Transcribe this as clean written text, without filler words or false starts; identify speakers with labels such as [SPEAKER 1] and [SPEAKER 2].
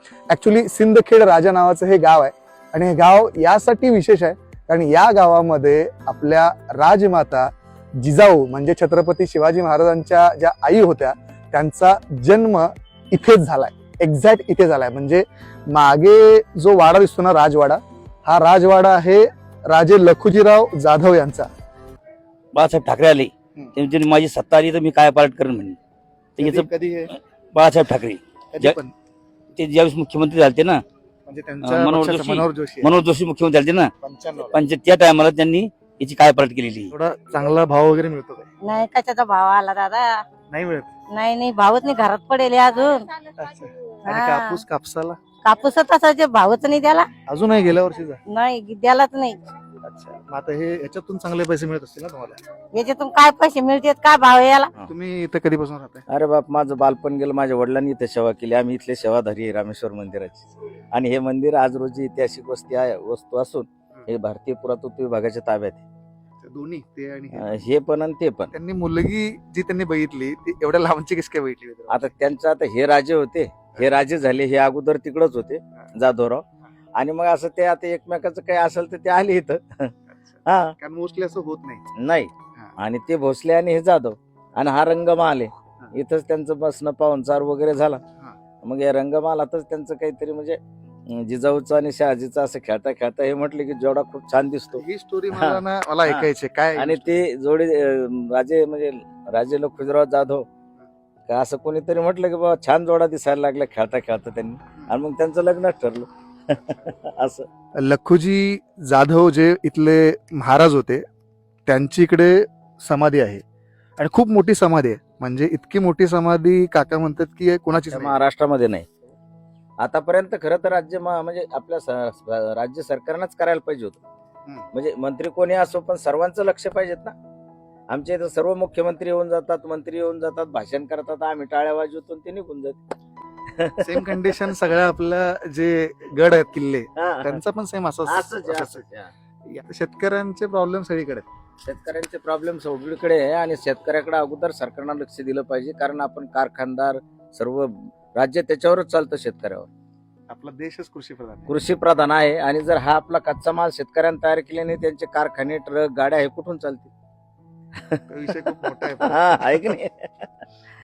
[SPEAKER 1] Actually Sindkhed राजा नावाचं हे गाव आहे आणि हे गाव यासाठी विशेष आहे कारण या गावामध्ये आपल्या राजमाता जिजाऊ म्हणजे छत्रपती शिवाजी महाराजांच्या ज्या आई होत्या त्यांचा जन्म इथेच झालाय, एक्झॅक्ट इथे झालाय. म्हणजे मागे जो वाडा दिसतो ना राजवाडा, हा राजवाडा आहे राजे लखुजीराव जाधव यांचा.
[SPEAKER 2] बाळासाहेब ठाकरे आले त्यांनी माझी सत्ता आली तर मी काय पालट करेन म्हणे.
[SPEAKER 1] कधी हे
[SPEAKER 2] बाळासाहेब ठाकरे
[SPEAKER 1] कधी पण
[SPEAKER 2] ते ज्यावेळेस मुख्यमंत्री झाले ना,
[SPEAKER 1] म्हणजे त्यांच्या
[SPEAKER 2] मनोहर
[SPEAKER 1] पक्षाचं
[SPEAKER 2] जोशी.
[SPEAKER 1] मनोहर जोशी
[SPEAKER 2] मनोहर जोशी मुख्यमंत्री झाले ना,
[SPEAKER 1] 95.
[SPEAKER 2] पण त्या टायमाला त्यांनी याची काय पालट केलेली.
[SPEAKER 1] थोडा चांगला भाव वगैरे मिळतो काय?
[SPEAKER 3] नाही कशाचा भाव आला दादा?
[SPEAKER 1] नाही मिळत.
[SPEAKER 3] नाही भावच नाही, घरात पडेल हे अजून.
[SPEAKER 1] अच्छा. आणि कापसाला
[SPEAKER 3] कापूस तसा भावच नाही त्याला.
[SPEAKER 1] अजून नाही, गेल्या वर्षीचा.
[SPEAKER 3] नाही द्यालाच नाही.
[SPEAKER 1] अच्छा, मग आता हे याच्यातून चांगले पैसे मिळत असतील ना तुम्हाला?
[SPEAKER 3] याच्यातून काय पैसे मिळतात, काय भाव आहे याला?
[SPEAKER 1] तुम्ही इथं कधीपासून राहताय?
[SPEAKER 2] अरे बाप, माझं बालपण गेलं. माझ्या वडिलांनी इथे सेवा केली. आम्ही इथले सेवाधारी आहे रामेश्वर मंदिराची. आणि हे मंदिर आज रोजी ऐतिहासिक वस्तू असून हे भारतीय पुरातत्व विभागाच्या ताब्यात आहे.
[SPEAKER 1] दोन्ही ते आणि
[SPEAKER 2] हे पण आणि ते पण.
[SPEAKER 1] त्यांनी मुलगी जी त्यांनी बघितली ती एवढ्या लांबची कशी काय बघितली?
[SPEAKER 2] आता त्यांचं आता हे राजे होते, हे राजे झाले, हे अगोदर तिकडच होते जाधवराव. आणि मग असं ते आता एकमेकाचं काही असेल तर ते आले इथं. हा,
[SPEAKER 1] कारण मोस्टली असं होत नाही.
[SPEAKER 2] नाही. आणि ते भोसले आणि हे जाधव आणि हा रंगमाल आहे. इथंच त्यांचं बसणं पाहुणचार वगैरे झाला. मग या रंगमालातच त्यांचं काहीतरी म्हणजे जिजाऊचं आणि शहाजीचं असं खेळता खेळता हे म्हटलं की जोडा खूप छान दिसतो.
[SPEAKER 1] ही स्टोरी मला ऐकायची काय.
[SPEAKER 2] आणि ते जोडी राजे म्हणजे राजे लखुजीराव जाधव का असं कोणीतरी म्हटलं की बाबा छान जोडा दिसायला लागला खेळता खेळता त्यांनी, आणि मग त्यांचं लग्नच ठरलं. असं
[SPEAKER 1] लखुजी जाधव जे इथले महाराज होते त्यांची इकडे समाधी आहे आणि खूप मोठी समाधी आहे. म्हणजे इतकी मोठी समाधी काका म्हणतात की कोणाची
[SPEAKER 2] महाराष्ट्रामध्ये नाही आतापर्यंत. खरं तर राज्य म्हणजे आपल्या राज्य सरकारनंच करायला पाहिजे होतं. म्हणजे मंत्री कोणी असो पण सर्वांचं लक्ष पाहिजेत ना. आमच्या इथं सर्व मुख्यमंत्री येऊन जातात, मंत्री येऊन जातात, भाषण करतात, आम्ही टाळ्या वाजवतो ते निघून जात.
[SPEAKER 1] सेम कंडिशन सगळ्या आपल्या जे गड आहेत किल्ले त्यांचा पण सेम असंच. शेतकऱ्यांचे प्रॉब्लेम सगळीकडे.
[SPEAKER 2] शेतकऱ्यांचे प्रॉब्लेम सगळीकडे आहे आणि शेतकऱ्याकडे अगोदर सरकारनं लक्ष दिलं पाहिजे. कारण आपण कारखानदार सर्व राज्य त्याच्यावरच चालतं, शेतकऱ्यावर.
[SPEAKER 1] आपला देशच
[SPEAKER 2] कृषी प्रधान आहे. आणि जर हा आपला कच्चा माल शेतकऱ्यांनी तयार केल्याने त्यांचे कारखाने, ट्रक, गाड्या हे कुठून चालतील?
[SPEAKER 1] विषय खूप मोठा आहे.
[SPEAKER 2] हा, आहे की नाही.